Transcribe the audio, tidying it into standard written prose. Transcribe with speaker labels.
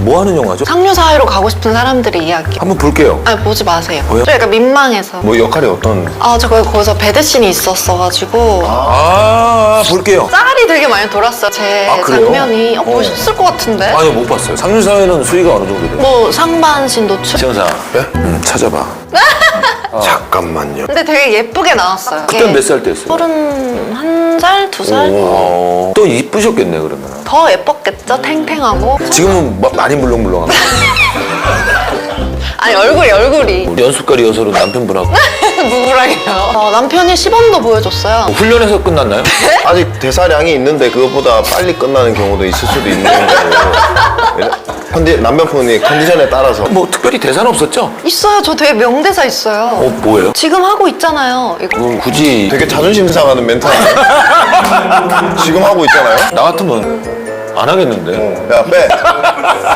Speaker 1: 뭐 하는 영화죠?
Speaker 2: 상류 사회로 가고 싶은 사람들의 이야기.
Speaker 1: 한번 볼게요.
Speaker 2: 아니 보지 마세요.
Speaker 1: 왜요?
Speaker 2: 저 약간 민망해서.
Speaker 1: 뭐 역할이 어떤?
Speaker 2: 저 거기서 배드씬이 있었어가지고
Speaker 1: 볼게요.
Speaker 2: 짤이 되게 많이 돌았어요. 제
Speaker 1: 아, 그래요?
Speaker 2: 장면이 보셨을 것 같은데.
Speaker 1: 아니요, 못 봤어요. 상류사회는 수위가 어느 정도 돼요?
Speaker 2: 뭐 상반신 노출.
Speaker 1: 지영사.
Speaker 3: 네?
Speaker 1: 찾아봐.
Speaker 3: 잠깐만요.
Speaker 2: 근데 되게 예쁘게 나왔어요.
Speaker 1: 그때 몇 살 때였어요?
Speaker 2: 31살, 2살?
Speaker 1: 또 이쁘셨겠네, 그러면.
Speaker 2: 더 예뻤겠죠? 탱탱하고.
Speaker 1: 지금은 많이 물렁물렁하고.
Speaker 2: 아니 얼굴이
Speaker 1: 연습가 리허설은 남편분하고.
Speaker 2: 누구랑요? 남편이 시범도 보여줬어요.
Speaker 1: 훈련에서 끝났나요?
Speaker 3: 아직 대사량이 있는데 그것보다 빨리 끝나는 경우도 있을 수도 있는 거고. 남편분이 컨디션에 따라서.
Speaker 1: 뭐 특별히 대사는 없었죠?
Speaker 2: 있어요. 저 되게 명대사 있어요.
Speaker 1: 뭐예요?
Speaker 2: 지금 하고 있잖아요. 이거.
Speaker 1: 그건 굳이
Speaker 3: 되게 자존심 상하는 멘트 아니에요? 지금 하고 있잖아요?
Speaker 1: 나 같으면 안 하겠는데.
Speaker 3: 야, 빼.